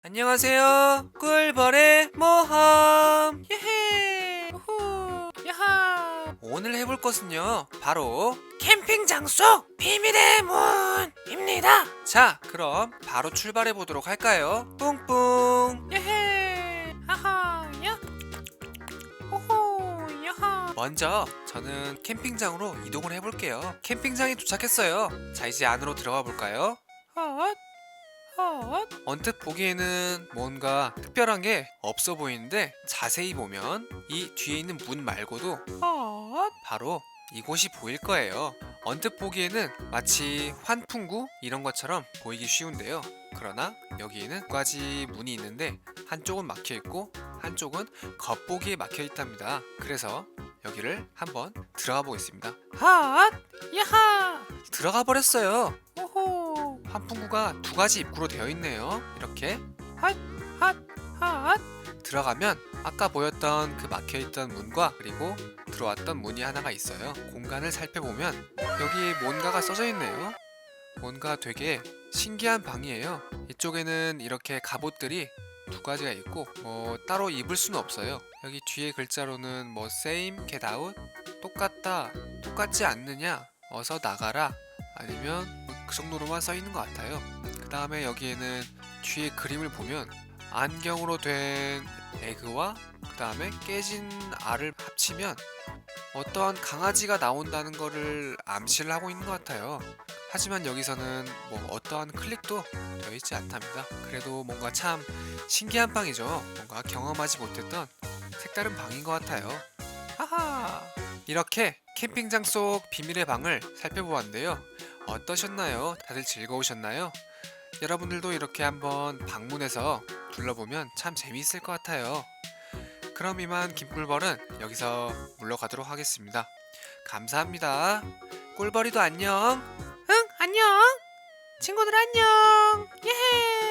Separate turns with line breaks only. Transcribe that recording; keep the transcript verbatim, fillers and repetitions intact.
안녕하세요. 꿀벌의 모험. 예헤. 우후. 야하. 오늘 해볼 것은요, 바로 캠핑 장소 비밀의 문입니다. 자, 그럼 바로 출발해 보도록 할까요? 뿡뿡. 예헤. 하하. 야. 호호. 야하. 먼저 저는 캠핑장으로 이동을 해볼게요. 캠핑장에 도착했어요. 자, 이제 안으로 들어가 볼까요? 헛. 헛. 언뜻 보기에는 뭔가 특별한 게 없어 보이는데 자세히 보면 이 뒤에 있는 문 말고도 헛. 바로 이곳이 보일 거예요. 언뜻 보기에는 마치 환풍구 이런 것처럼 보이기 쉬운데요. 그러나 여기에는 두 가지 문이 있는데 한쪽은 막혀 있고 한쪽은 겉보기에 막혀 있답니다. 그래서 여기를 한번 들어가 보겠습니다. 핫! 야하! 들어가 버렸어요. 오호! 환풍구가 두 가지 입구로 되어 있네요. 이렇게 핫! 핫! 핫! 들어가면 아까 보였던 그 막혀있던 문과 그리고 들어왔던 문이 하나가 있어요. 공간을 살펴보면 여기에 뭔가가 써져 있네요. 뭔가 되게 신기한 방이에요. 이쪽에는 이렇게 갑옷들이 두 가지가 있고 뭐 따로 입을 수는 없어요. 여기 뒤에 글자로는 뭐 same, get out, 똑같다, 똑같지 않느냐, 어서 나가라, 아니면 그 정도로만 써 있는 것 같아요. 그 다음에 여기에는 뒤에 그림을 보면 안경으로 된 에그와 그 다음에 깨진 알을 합치면 어떠한 강아지가 나온다는 거를 암시를 하고 있는 것 같아요. 하지만 여기서는 뭐 어떠한 클릭도 되어 있지 않답니다. 그래도 뭔가 참 신기한 방이죠. 뭔가 경험하지 못했던 색다른 방인 것 같아요. 하하. 이렇게 캠핑장 속 비밀의 방을 살펴보았는데요. 어떠셨나요? 다들 즐거우셨나요? 여러분들도 이렇게 한번 방문해서 둘러보면 참 재미있을 것 같아요. 그럼 이만 김꿀벌은 여기서 물러가도록 하겠습니다. 감사합니다. 꿀벌이도 안녕. 응, 안녕. 친구들 안녕. 예헤.